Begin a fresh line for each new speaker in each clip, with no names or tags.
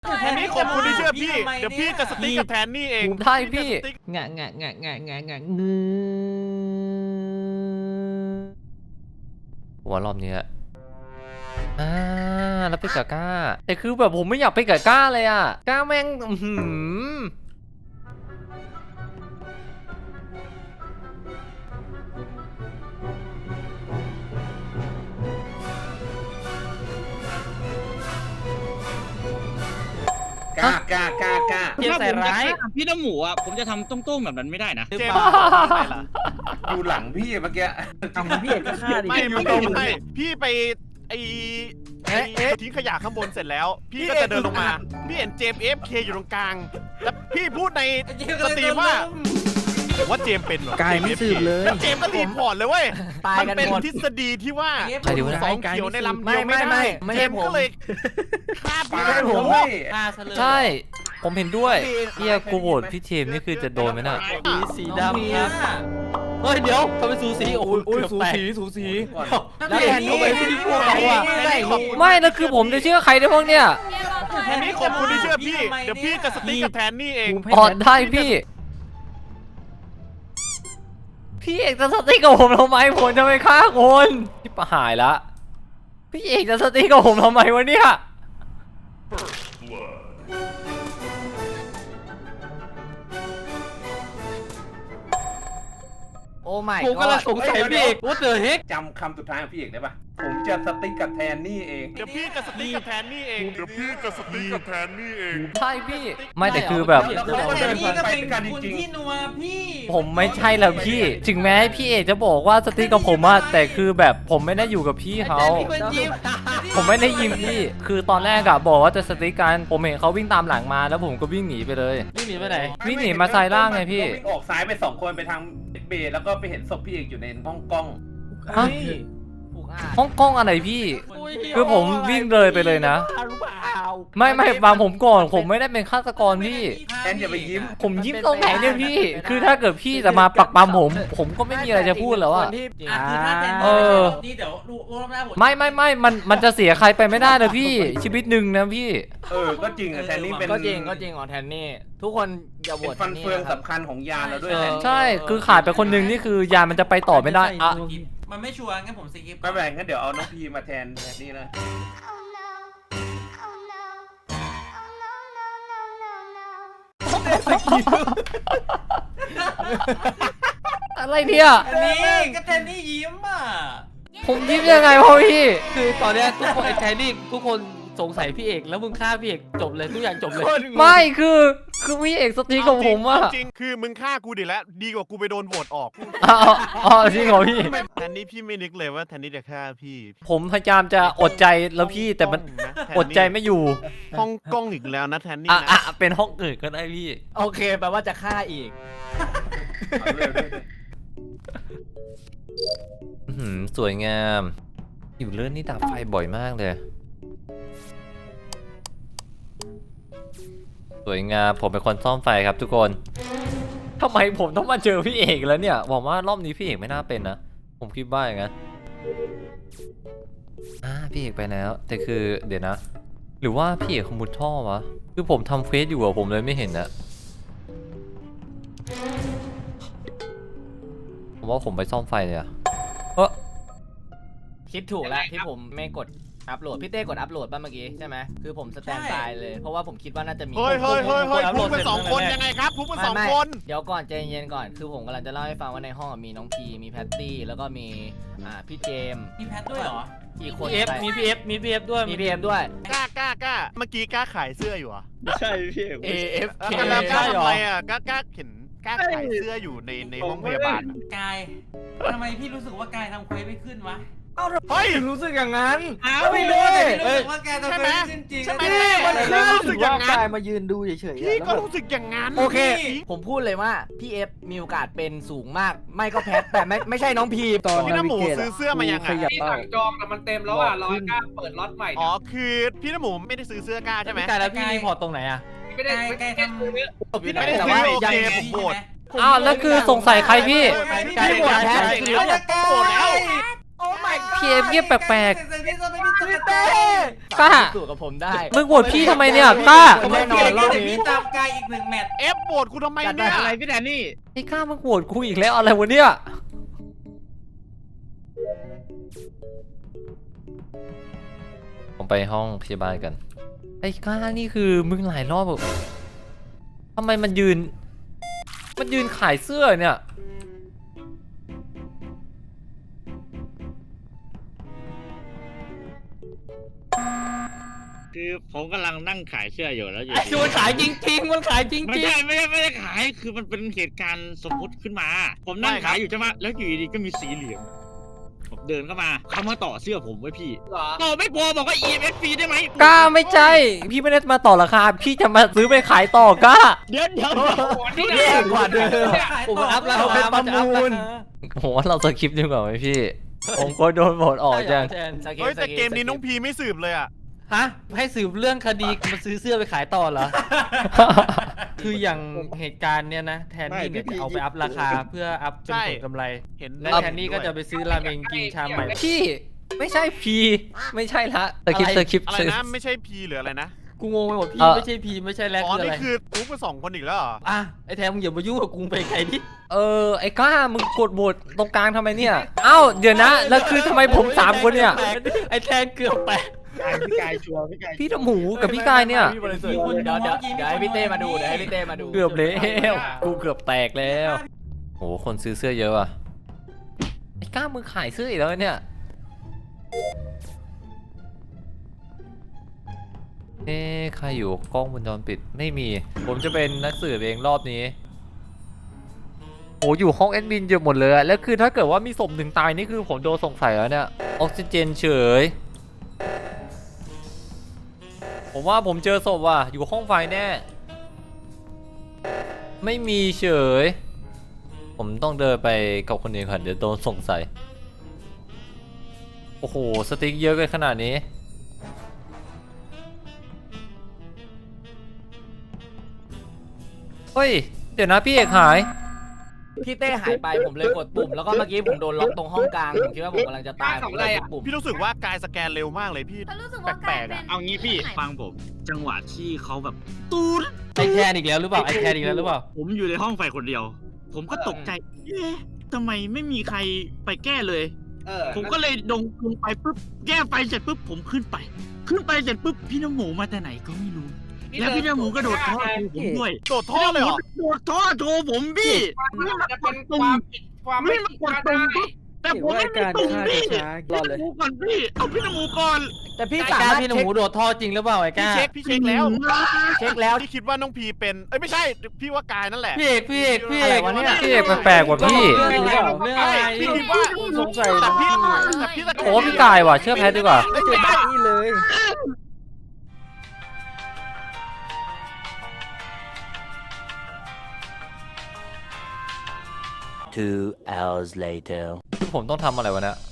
แทนนี่ขอบคุณที่เชื่อพี่เดี๋ยวพี่จะสติ๊กกับแทนนี่เอง
ได้พี่
งะ
หัวรอบนี้แล้วไปกับก้าแต่คือแบบผมไม่อยากไปกับก้าเลยอ่ะก้าแม่ง
กล้า
ถ้าผมจะฆ่าพี่น้ำหมูอ่ะผมจะทำต้งๆแบบนั้นไม่ได้นะ
เจมส์ไม่ล่ะ
อยู่หลังพี่เมื่อกี้
พี่เอกก็ฆ่าดิ
ไม่พี่ไปทิ้งขยะข้างบนเสร็จแล้วพี่ก็จะเดินลงมาพี่เห็นเจมส์ AFK อยู่ตรงกลางแล้วพี่พูดในสตรีมว่าเจมส์เป็นเหรอก
ายไม่สืบเลย
แล้วเจมส์ก็รีพอร์ตเลยเว้ย
ตาย
มัน
กัน
เป็น
หมด
ทฤษฎีที่ว่า
ใครดูนะ
สองเขียวในลำเดียวไม่ได้เจมส์ก็เลยฆ่าพี่
ไม่ผม
ฆ่าซะเลย
ใช่ผมเห็นด้วยเฮียกูโหวตพี่เทมนี่คือจะโดนไหมน่ะ
สีดำครับเฮ้ยเดี๋ยวทำไมสูสีโอ้ยสูสีแล้วแทนนี่พี่พวกเขาอ่ะ
ไม่แล้วคือผมจะเชื่อใครได้บ้างเนี่ย
แทนนี่ขอบคุณที่เชื่อพี่เดี๋ยวพี่จะสติ๊กกับแทนนี่เอง
ได้พี่เอกจะสติ๊กกับผมทำไมผมจะไปฆ่าคนที่ประหายละพี่เอกจะสติ๊กกับผมทำไมวะเนี่ย
โอ้ไม่ผมกำลังสงสัยพี่เอกว่าเจอเฮก
จำคำสุดท้ายของพี่เอกได้ปะผมจะสติ๊กกับแทนนี่เอง
เดี๋ยวพี่จะสติ๊กกับแทนนี่เอง
ใช่พี่ไม่แต่คือแบบ
แทนนี่ก็เป็นกันจริง
ผมไม่ใช่แล้วพี่ถึงแม้พี่เอกจะบอกว่าสติ๊กกับผมอะแต่คือแบบผมไม่ได้อยู่กับพี่เขาผมไม่ได้ยิมพี่คือตอนแรกอะบอกว่าจะสติ๊กกันผมเห็นเขาวิ่งตามหลังมาแล้วผมก็วิ่งหนีไปเลย
วิ่งหนีไปไหน
วิ่งหนีมาไซด์ล่างไงพี่
ออกซ้ายไป2 คนไปทางเบย์แล้วก็ไปเห็นศพพี่เอกอยู่ในห้องกล้อง
ฮะห้องกล้องอะไรพี่ คือผมวิ่งเลยไปเลยนะ
รู้เปล่า
ไม่บางผมก่อนผมไม่ได้เป็นฆาตกรพี่
แทนอย่าไปยิ้ม
ผมยิ้มตรงไหนเนี่ยพี่ คือถ้าเกิดพี่จะมาปักปั๊มผมก็ไม่มีอะไรจะพูดแล้วอะ
คือถ้าแทน
นี่เดี๋ยวดูรอบหน้าผม
ไม่มันจะเสียใครไปไม่ได้นะพี่ ชีวิตหนึ่งนะพี่
ก็จริงอะแทนนี่เป็น
ก็จริงอ๋อแทนนี่ทุกคนอย่าโหว
เป็น
ต
ฟันเฟืองสำคัญของยานเราด้วยแทน
ใช่คือขาดไปคนหนึ่งนี่คือยานมันจะไปต่อไม่ได้อะ
มันไม่ชัวร์งั้นผมสกิป
ไม่เป็นไรงั้นเดี๋ยวเอาน้องพีมาแทนนี่นะ
อะไรเนี่ย
นี่ก็แทนนี่ยิ้มอ่ะ
ผมยิ้มยังไงพ่อพี่
คือตอนเนี้ยทุกคนไอ้แทนนี่ทุกคนสงสัยพี่เอกแล้วมึงฆ่าพี่เอกจบเลยทุกอย่างจบเลย
ไม่คือพี่เอกสตีกับผมอะ
จริงคือมึงฆ่ากูดิแล้วดีกว่ากูไปโดนโหวตออก
อ๋อจริงเหรอพี่
แทนนี่พี่ไม่นึกเลยว่าแทนนี่จะฆ่าพี่
ผมพยายามจะอดใจแล้วพี่แต่มันอดใจไม่อยู่
ห้องกล้องอีกแล้วนะแทนนี่
อ่ะ
นะ
เป็นห้องอื่นก็ได้พี่
โอเคแปลว่าจะฆ่าอีก
สวยงาม อยู่เลื่อนนี่ดับไฟบ่อยมากเลย สวยงามผมเป็นคนซ่อมไฟครับทุกคนทำไมผมต้องมาเจอพี่เอกแล้วเนี่ยบอกว่ารอบนี้พี่เอกไม่น่าเป็นนะผมคิดว่าอย่างนั้นพี่เอกไปแล้วแต่คือเดี๋ยวนะหรือว่าพี่เอกขมุดท่อวะคือผมทำเควสอยู่อะผมเลยไม่เห็นนะผมว่าผมไปซ่อมไฟเลยอะ
คิดถูกแล้วที่ผมไม่กดอัพโหลดพี่เต้กดอัพโหลดป่ะเมื่อกี้ใช่ไหมคือผมสแตนบายเลยเพราะว่าผมคิดว่าน่าจะมี
เฮ้ยพูดเป็น2 คนยังไงครับพูดเป็น2 คน
เดี๋ยวก่อนใจเย็นก่อนคือผมกำลังจะเล่าให้ฟังว่าในห้องมีน้องพีมีแพตตี้แล้วก็มีพี่เจม
มีแพทด้วยเหรอ
อีกคน
มีพีเอฟด้วย
มีพีเอฟด้วย
กล้าเมื่อกี้กล้าขายเสื้ออยู่อ่ะ
ใช่พี่เอก
AFK
แล้วกล้าทำไมอ่ะกล้าเห็นกล้าขายเสื้ออยู่ในห้องพยาบาล
กายทำไมพี่รู้สึกว่ากายทำเควสไม่ขึ้นวะ
เฮ้ย
รู้สึกอย่างนั้น
อ้าวไม่รู้แต่พี่รู้สึกว่ากายทำเควสไม่ขึ้นจริง
ใช่ไหม
มันรู้สึกอย่างนั้นมายืนดูเฉยๆ
พี่ก็รู้สึกอย่างนั้น
โอเคผมพูดเลยว่าพี่เอฟมีโอกาสเป็นสูงมากไม่ก็แพทแต่ไม่ใช่น้องพีตอน
พี่น้ำหมูซื้อเสื้อมายังไง
พี่สั่งจองแต่มันเต็มแล้วอ่ะรอกล้าเปิดล็อตใหม่
อ๋อคือพี่น้ำหมูไม่ได้ซื้อเสื้อกล้าใช่ไหม
กายแล้วพี่รีพอร์ตตรงไหนอะ
ไม่ได้
กายทำ
พี่ไม่ได้ซื้อโอเคผมโหวต
อ้าวแล้วคือสงสัยใครพี่
กายโหวตแพท
แล้วโหวตแล้ว
โอ้ my
พี่เอฟเงียบแปลก
พี่เต้
ๆกล้า
สู้กับผมได้
มึงโหวตพี่ทำไมเนี่ยกล้า
แน่นอนรอบนี้
ตามกายอีก1 แมตช์
เอฟโหวตกูทำไมเนี่ย
อะไรพี่แดนนี่
ไอ้กล้ามึงโหวตกูอีกแล้วอะไรวะเนี่ยผมไปห้องพยาบาลกันไอ้กล้านี่คือมึงหลายรอบแบบทำไมมันยืนขายเสื้อเนี่ย
คือผมกำลังนั่งขายเสื้ออยู่แล้วอยู่
คือมันขายจริงๆมันขายจริง
ไม่ใช่ไม่ได้ขายคือมันเป็นเหตุการณ์สมมุติขึ้นมา ผมนั่งขายอยู่ใช่ไหมแล้วอยู่ดีๆก็มีสีเหลืองผมเดินเข้ามาเขามาต่อเสื้อผมไว้พี่
เหรอ
ต่อไม่พอบอกว่า EMS ฟรีได้ไหม
กล้าไม่ใช่พี่ไม่ได้มาต่อราคาพี่จะมาซื้อไปขายต่อกล้า
เดี๋ยว
นี่
ๆแย่กว่าเดิมผมอัพราคามันจะอัพราคา
ผมว่าเราสคริปต์ดีกว่าไหมพี่ ผมก็โดนโหวตออกจัง
เฮ้ยแต่เกมนี้น้องพีไม่สืบเลยอ่ะ
ฮะให้สืบเรื่องคดีมาซื้อเสื้อไปขายต่อเหรอ คืออย่างเหตุการณ์เนี้ยนะแทนนี่เนี่ยจะเอาไปอัพราคาเพื่ออัพเป็นผลกำไร
เห็น
และแทนนี่ก็จะไปซื้อราเมงกินชามใหม่
พี่ไม่ใช่พีไม่ใช่ละสคริปต์สคริปต์
อะไรนะไม่ใช่พีหรืออะไรนะ
กูงงไปหมดพี่ไม่ใช่พีไม่ใช่แลก
อ๋อ
คืออะ
นี่
ไร
คือทุกไป2 คนอีกแล้วเหรอ
อ่ะไอ้แทนมึงอย่ามายุ่งกับกูไปไกลดิ
ไอ้กล้ามึงกดโหวตตรงกลางทำไมเนี่ยเอ้าเดี๋ยวนะแล้วคือทำไมผม3 คนเนี่ย
ไอ้แทนเกือบแตก
พี่กายชัวร์พี่กาย
พี่ตะหมูกับพี่กายเนี่ย
เดี๋ยวให้พี่เต้มาดูเดี๋ยวให้พี่เต้มาดู
เกือบแล้วกูเกือบแตกแล้วโหคนซื้อเสื้อเยอะอ่ะไอ้กล้ามึงขายเสื้ออีกแล้วเนี่ยใครอยู่กล้องวงจรปิดไม่มีผมจะเป็นนักสืบเองรอบนี้โหอยู่ห้องแอดมินเยอะหมดเลยอะแล้วคือถ้าเกิดว่ามีศพ1 ตายนี่คือผมโดนสงสัยแล้วเนี่ยออกซิเจนเฉยผมว่าผมเจอศพว่ะอยู่ห้องไฟแน่ไม่มีเฉยผมต้องเดินไปกับคนอื่นก่อนเดี๋ยวโดนสงสัยโอ้โหสติ๊กเยอะกันขนาดนี้เฮ้ยเดี๋ยวนะพี่เอกหาย
พี่เต้หายไปผมเลยกดปุ่มแล้วก็เมื่อกี้ผมโดนล็อกตรงห้องกลางผมคิดว่าผมกำลังจะตายผมเลยกดปุ่ม
พี่รู้สึกว่ากายสแกนเร็วมากเลยพี่
ฉันรู้สึกว่า
แปลกๆอะ
เอางี้พี่ฟังผมจังหวะที่เขาแบบตูด
ไอแทนอีกแล้วหรือเปล่าไอแทนอีกแล้วหรือเปล่า
ผมอยู่ในห้องไฟคนเดียว ผมก็ตกใจเอ๊ะทำไมไม่มีใครไปแก้เลย ผมก็เลยลงไปปุ๊บแก้ไฟเสร็จปุ๊บผมขึ้นไปเสร็จปุ๊บพี่น้ำหมูมาแต่ไหนก็ไม่รู้ แล้วพี่น้ำหมูก็โดดท่อโทรผมด้วย
โดดท่อเลยเหรอ
โดดท่อโทรผมพี่
มันจะเป็นความผิดความไม่ผิดพลาดได้
แต่ผมไม่มีตุ่มพี่พี่น้ำหมูก่อนพี่เอาพี่น้ำหมูก่อน
แต่พี่สามารถพี่หนูโดดท่อจริงหรือเปล่าไอ้ก้า
พี่เช็คแล้ว
เช็คแล้ว
พี่คิดว่าน้องพีเป็นเอ้ยไม่ใช่พี่ว่ากายนั่นแหละ
พี่เอกพี่วะเนี่ย
พี่เอกแปลกๆกว่าพี่
เรื่องอะไร
พี่คิดว่า
สงสัย
แต่พี่สแกน
โอ้พี่กายว่ะเชื่อแพทดีกว่า
ไม่ใช่
นี่เลย
2 hours later.
ผมต้องทำอะไรวะเนี่ย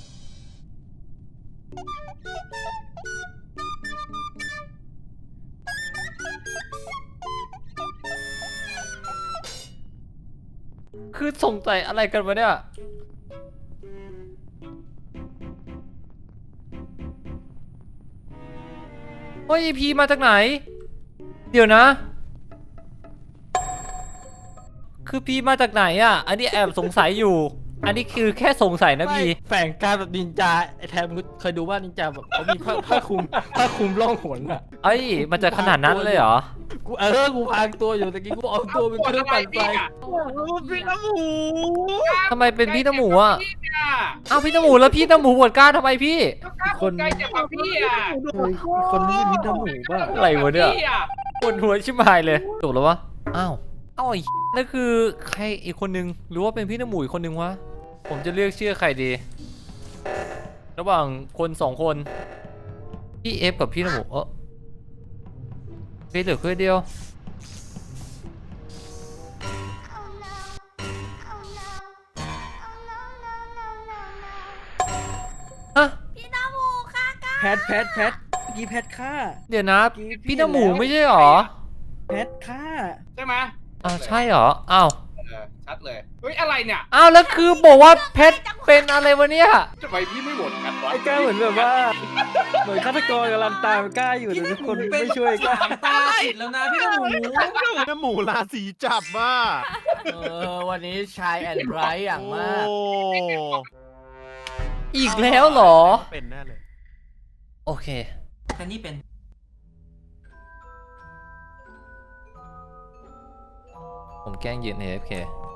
คือสงสัยอะไรกันวะเนี่ยเฮ้ยพีมาจากไหน เดี๋ยวนะ คือพีมาจากไหนอ่ะ อันนี้แอบสงสัยอยู่ อันนี้คือแค่สงสัยนะพี
แฝงการแบบนินจาไอ้แทนเคยดูว่านินจาแบบเขามีผ้าคลุมร่องหนอ่ะ
เอ้ย มันจะขนาดนั้นเลยเหรอ
กูพางตัวอยู่ตะกี้กูเอาตัวเป็นเครื่องปั่นไฟ
พี่น้ำหมู
ทำไมเป็นพี่น้ำหมูอ่ะ อ้าวพี่น้ำหมูแล้วพี่น้ำหมูบวชกล้าทำไมพี่
คนใกล้จะกับพี่อ่ะ
คนนี้เป็นน้ำหมูป่ะ
อะไรวะเนี่ยปวดหัวชิบหายเลยถูกแล้ววะ อ้าวไอ้นั่นคือใครอีกคนนึง หรือว่าเป็นพี่น้ำหมูอีกคนนึงวะ ผมจะเลือกเชื่อใครดี ระหว่างคน2 คนพี่เอฟกับพี่น้ำหมูพี่เหลือแค่เดียวฮะ
พี่น้ำหมูค่ะก้า
แพทเมื่อกี้แพทฆ่า
เดี๋ยวนะ พี่น้ำหมูไม่ใช่หรอ
แพทฆ่า
ใช่ไหม
ใช่หรอ อ้าว
ชัดเลยเฮ้ยอะไรเนี่ย
อ้าวแล้วคือบอกว่าเพชรเป็นอะไรวะเนี่ย
ทำไมพี่ไม่โหวตกันวะ
ไอ้ก้าเหมือนแบบว่าเหมือนฆาตกรกำลังตามก้าอยู่แต่ทุกคนไม่ช่วยก้า
ตาติดแล้วนะพี่หมู
น้ำหมูราศีจับมา
วันนี้ชายแอนไรอย่างมาก
โอ้
อีกแล้วเหรอ
เป็นแน่เลย
โอเค
แต่นี่เป็น
ผมแกล้งยืน AFK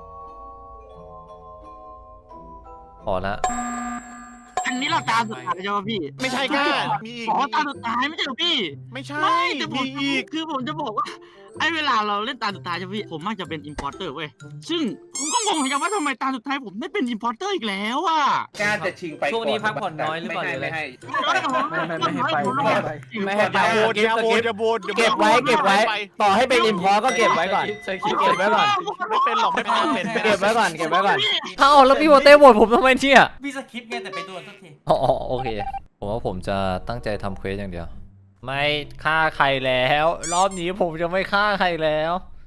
พอละ
อันนี้เราตาสุดท้ายใช่ไหมพี่
ไม่ใช่ก้ามีอีก
อ๋อตาสุดท้ายไม่ใช่เหรอพี่
ไม่ใช่
ไม่แต่ผม
มีอีก
คือผมจะบอกว่าไอ้เวลาเราเล่นตาสุดท้ายใช่ไหมพี่ผมมักจะเป็นอิมพอร์เตอร์เว้ยซึ่งผมก็งงเหมือนกันว่าทำไมตาสุดท้ายผมได้เป็นอิมพอร์เตอร์อีกแล้วอ่ะ
กล้าจะชิงไป
ช่วงนี้พักผ่อนน้อยหรือเปล่า
ไม่ให้
ไม่ให้ไปไม่ให้ไป
ไม่ให้ไป
อย่าโหวตอย่าโหวตอย่าโหวต
เก็บไว้เก็บไว้ ต่อให้เป็นอินพอร์ก็เก็บไว้ก่อน เก็บไว้ก่อน
ไม่เป็นหรอกไม่เป็น
เก็บไว้ก่อน เก็บไว้ก่อน ถ้าเอาแล้วพี่โบเต้โหวตผมทำไมเนี่ย
พี่สคริปต์ไงแต่ไปตัวสักที
อ๋อโอเค ผมว่าผมจะตั้งใจทำเควสอย่างเดียว ไม่ฆ่าใครแล้ว รอบนี้ผมจะไม่ฆ่าใครแล้ว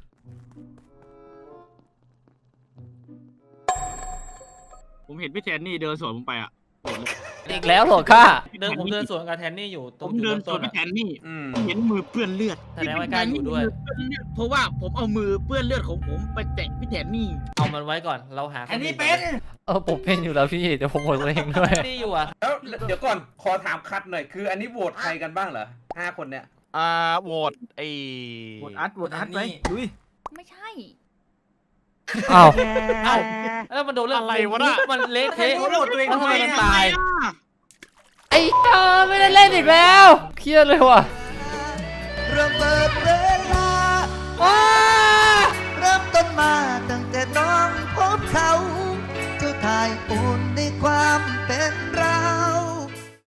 ผมเห็นพี่แทนนี่เดินสวนผมไปอ่ะ
อีกแล้วเหรอฆ่า
ผมเดินสวนกับแทนนี่อยู่ต
ผ
รง
ม
จุด
เดิน
เริ่ม
สว
ต้
น
น
พี่
อะ
แทนนี่
อืม
เห็นมือเปื้อนเลือด
แสดงว่าก้าอยู่ด้วย
เพราะว่าผมเอามือเปื้อนเลือดของผมไปแตะพี่แทนนี่
เอามันไว้ก่อนเราหา
อันนี้เป็น
ผมเป็นอยู่แล้วพี่เดี๋ยวผมโหวตตัวเองด้วย
นี่อยู่อ่ะ
แล้วเดี๋ยวก่อนขอถามคัดหน่อยคืออันนี้โหวตใครกันบ้างเหรอ5 คนเนี่ย
โหวตไอ้
โหวตอัดไปลุย
ไม่ใช่
อ้าว
เอ้าแล้วมันโดนเรื่อง
อะไรวะน่ะ
มันเละเทะ
โหวตตัวเอง
แล้ว
ทำ
ทำ
ไม
ไมมัน
อะ
ตาย
ไอ้ไม่ได้เล่นอีกแล้ว เครียดเลยว่ะ
เริ่มเปิดเวลาเริ่มต้นมาตั้งแต่น้องพบเขา เจ้าทายอุ่นในความเป็น